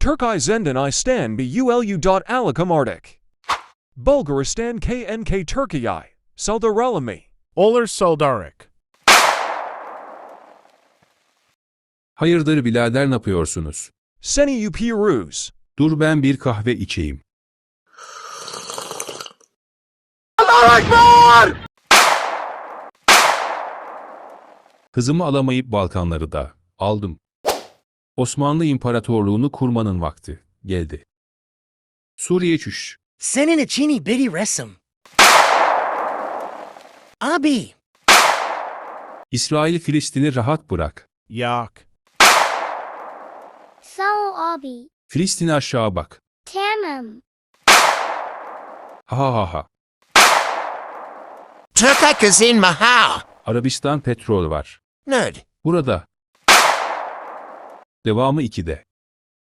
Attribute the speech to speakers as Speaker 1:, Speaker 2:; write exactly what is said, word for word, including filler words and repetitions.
Speaker 1: Turkey Zenden Istan Bulu. Arctic. Bulgaristan K N K Turkey. Saldarelami.
Speaker 2: Olur Soldarik.
Speaker 3: Hayırdır birader, ne yapıyorsunuz?
Speaker 1: Seni Upiruz.
Speaker 3: Dur ben bir kahve içeyim. Kızımı alamayıp Balkanları da aldım. Osmanlı İmparatorluğunu kurmanın vakti geldi. Suriye çüş.
Speaker 4: Senin içini biri resim. Abi.
Speaker 3: İsrail Filistin'i rahat bırak.
Speaker 2: Yak.
Speaker 5: Sağ ol abi.
Speaker 3: Filistin'e aşağı bak.
Speaker 5: Tamam.
Speaker 3: Ha ha ha ha.
Speaker 6: Turkey Kazin Mahal.
Speaker 3: Arabistan petrol var.
Speaker 6: Nerd.
Speaker 3: Burada. Devamı ikide.